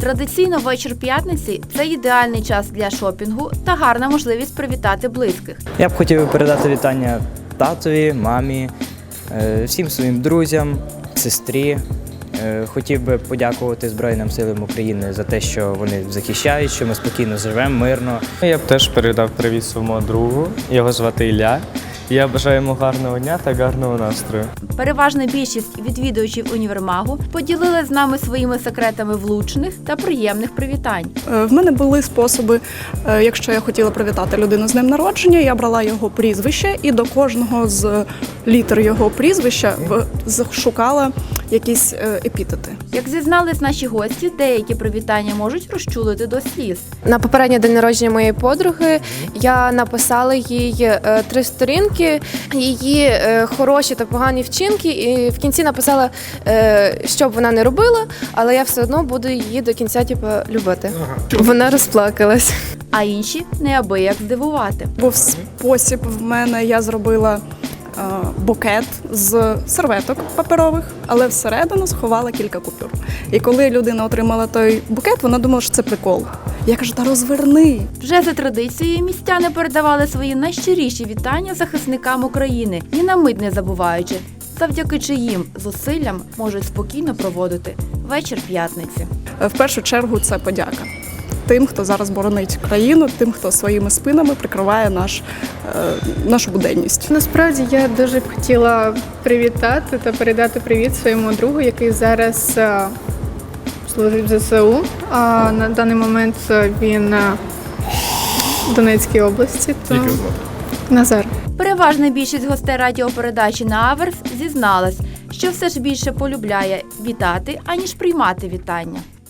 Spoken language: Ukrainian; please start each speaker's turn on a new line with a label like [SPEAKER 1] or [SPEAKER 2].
[SPEAKER 1] Традиційно вечір п'ятниці – це ідеальний час для шопінгу та гарна можливість привітати близьких.
[SPEAKER 2] Я б хотів передати вітання татові, мамі, всім своїм друзям, сестрі. Хотів би подякувати Збройним силам України за те, що вони захищають, що ми спокійно живемо, мирно.
[SPEAKER 3] Я б теж передав привіт своєму другу, його звати Ілля. Я бажаю йому гарного дня та гарного настрою.
[SPEAKER 1] Переважна більшість відвідувачів універмагу поділили з нами своїми секретами влучних та приємних привітань.
[SPEAKER 4] В мене були способи, якщо я хотіла привітати людину з днем народження, я брала його прізвище і до кожного з літер його прізвища шукала якісь епітети.
[SPEAKER 1] Як зізнались наші гості, деякі привітання можуть розчулити до сліз.
[SPEAKER 5] На попередній день народження моєї подруги я написала їй 3 сторінки, її хороші та погані вчинки, і в кінці написала, що б вона не робила, але я все одно буду її до кінця любити. Вона розплакалась.
[SPEAKER 1] А інші неабияк здивувати.
[SPEAKER 4] Був спосіб в мене, я зробила букет з серветок паперових, але всередину сховала кілька купюр. І коли людина отримала той букет, вона думала, що це прикол. Я кажу, та розверни.
[SPEAKER 1] Вже за традицією містяни передавали свої найщиріші вітання захисникам України, ні на мить не забуваючи, завдяки чиїм зусиллям можуть спокійно проводити вечір п'ятниці.
[SPEAKER 4] В першу чергу це подяка тим, хто зараз боронить країну, тим, хто своїми спинами прикриває нашу буденність.
[SPEAKER 6] Насправді я дуже б хотіла привітати та передати привіт своєму другу, який зараз служить в ЗСУ. А на даний момент він в Донецькій області. Назар.
[SPEAKER 1] Переважна більшість гостей радіопередачі на Аверс зізналась, що все ж більше полюбляє вітати, аніж приймати вітання.